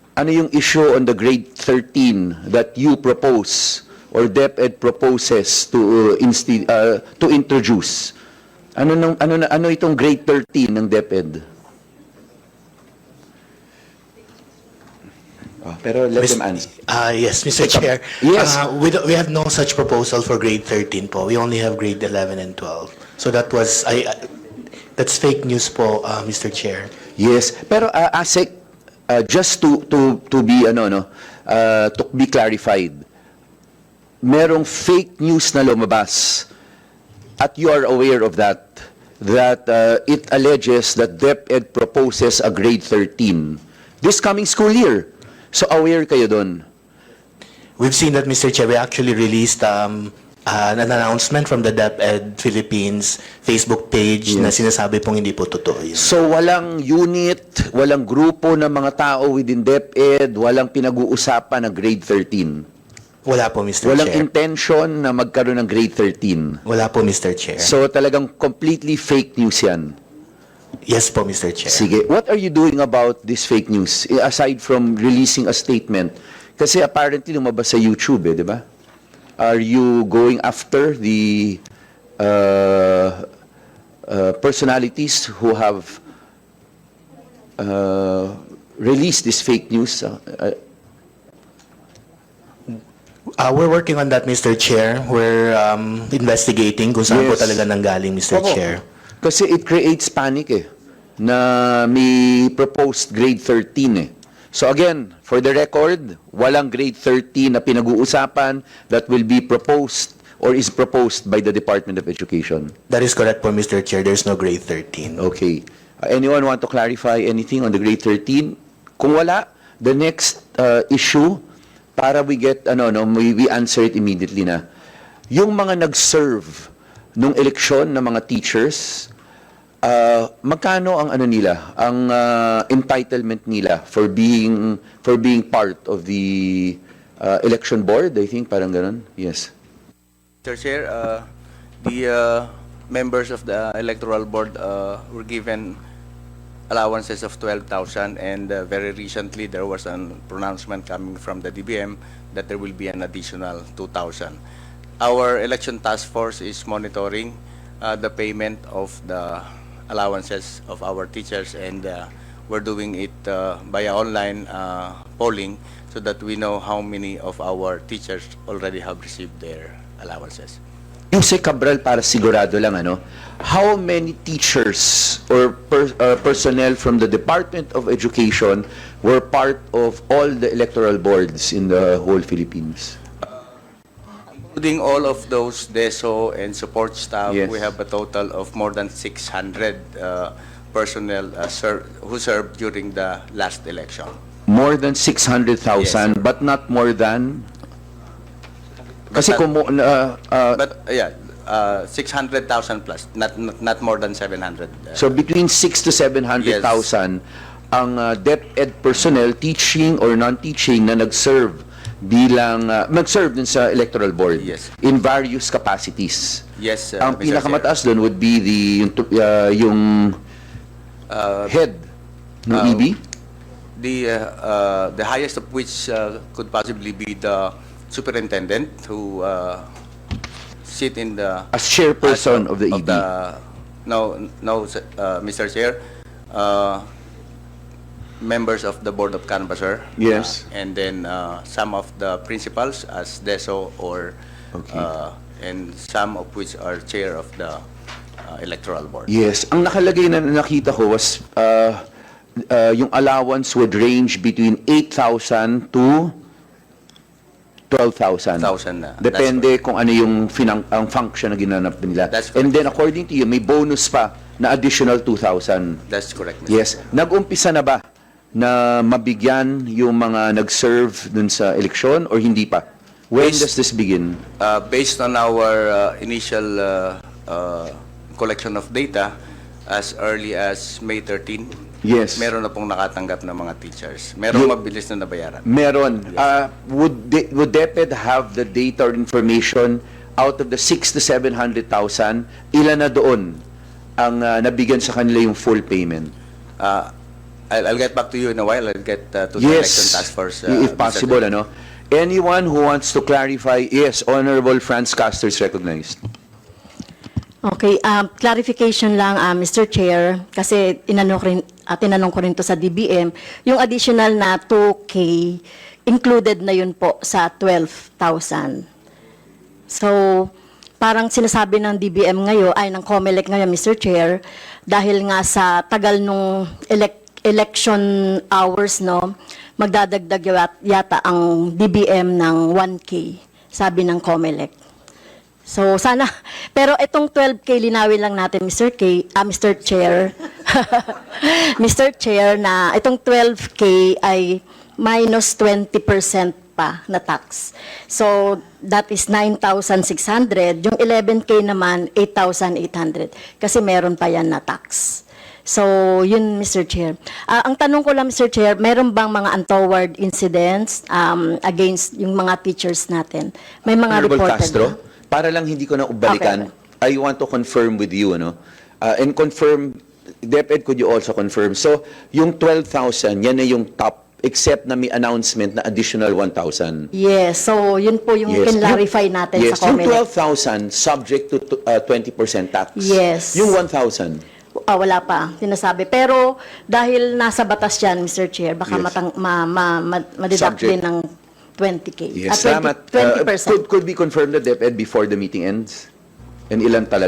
ano yung issue on the grade 13 that you propose or DepEd proposes to introduce? Ano itong grade 13 ng DepEd? Pero let them answer. Yes, Mr. Chair. Yes. We have no such proposal for grade 13 po. We only have grade 11 and 12. So that was, that's fake news po, Mr. Chair. Yes, pero ASEC, just to be to be clarified, merong fake news na lumabas at you are aware of that it alleges that DepEd proposes a grade 13 this coming school year. So aware kayo doon? We've seen that, Mr. Chair. We actually released an announcement from the DepEd Philippines Facebook page na sinasabi pong hindi po totoo yun. So walang unit, walang grupo ng mga tao within DepEd, walang pinag-uusapan na grade 13? Wala po, Mr. Walang Chair. intention na magkaroon ng grade 13? Wala po, Mr. Chair. So talagang completely fake news yan? Yes po, Mr. Chair. Sige, what are you doing about this fake news aside from releasing a statement? Kasi apparently lumabas sa YouTube, di ba? Are you going after the personalities who have released this fake news? We're working on that, Mr. Chair. We're investigating kung saan po Yes. talaga nanggaling, Mr. Oo. Chair. Kasi it creates panic na may proposed grade 13 So again, for the record, walang grade 13 na pinag-uusapan that will be proposed or is proposed by the Department of Education. That is correct po, Mr. Chair. There's no grade 13. Okay. Anyone want to clarify anything on the grade 13? Kung wala, the next issue, para we get, we answer it immediately na. Yung mga nag-serve nung eleksyon ng mga teachers, magkano ang nila, ang entitlement nila for being part of the election board? I think parang ganun. Yes. Mr. Chair, the members of the electoral board were given allowances of 12,000, and very recently there was a pronouncement coming from the DBM that there will be an additional 2,000. Our election task force is monitoring the payment of the allowances of our teachers, and we're doing it via online polling so that we know how many of our teachers already have received their allowances. Yung si Cabral, para sigurado lang, how many teachers or personnel from the Department of Education were part of all the electoral boards in the whole Philippines? Including all of those DESO and support staff, Yes. we have a total of more than 600 personnel who served during the last election. More than 600,000, Yes. but not more than... Kasi But kung... But yeah, 600,000 plus, not more than 700. so between 6 to 700,000 ang DepEd personnel, teaching or non-teaching, na nag-serve nag-serve din sa electoral board Yes. in various capacities. Yes, Ang Mr. pinakamataas doon would be yung head ng EB? The highest of which could possibly be the superintendent who sit in the As chairperson of the EB. No, Mr. Chair, members of the Board of Canvasser. Yes. And then some of the principals as DESO or Okay. and some of which are chair of the electoral board. Yes. Ang nakalagay na nakita ko was yung allowance would range between 8,000 to 12,000. 1,000 na. Depende kung ano yung ang function na ginanap nila. That's And correct. then according to you, may bonus pa na additional 2,000. That's correct, Mr. Yes. Nag-umpisa na ba na mabigyan yung mga nag-serve dun sa eleksyon or hindi pa? When Based- does this begin? Based on our initial collection of data, as early as May 13, Yes. meron na pong nakatanggap ng mga teachers. Merong mabilis na nabayaran. Meron. Would DepEd have the data or information out of the 6 to 700,000, ilan na doon ang nabigyan sa kanila yung full payment? I'll get back to you in a while. I'll get to the Yes, election task force. if Mr. possible, Chair. ano. Anyone who wants to clarify, yes, Honorable Franz Castor is recognized. Okay, clarification lang, Mr. Chair, kasi tinanong ko rin to sa DBM, yung additional na 2K, included na yun po sa 12,000. So, parang sinasabi ng DBM ngayon, ay ng COMELEC ngayon, Mr. Chair, dahil nga sa tagal nung election hours, no, magdadagdag yata ang DBM ng 1K, sabi ng COMELEC. So, sana, pero itong 12K, linawin lang natin, Mr. Chair, Mr. Chair, na itong 12K ay minus 20% pa na tax. So, that is 9,600. Yung 11K naman, 8,800. Kasi meron pa yan na tax. So, yun, Mr. Chair. Ang tanong ko lang, Mr. Chair, meron bang mga untoward incidents against yung mga teachers natin? May mga Honorable reported Castro, ba? para lang hindi ko na ubalikan, I want to confirm with you, ano, and confirm, DepEd, could you also confirm? So, yung 12,000, yan na yung top, except na may announcement na additional 1,000. Yes, so yun po yung kinlarify natin Yes, sa yung COMELEC. 12,000 subject to 20% tax. Yes. Yung 1,000. Wala pa, sinasabi. Pero dahil nasa batas yan, Mr. Chair, baka Yes. ma-deduct Subject. din ng 20K. Yes, 20%. salamat. Could be confirmed the DepEd before the meeting ends? And ilan talaga?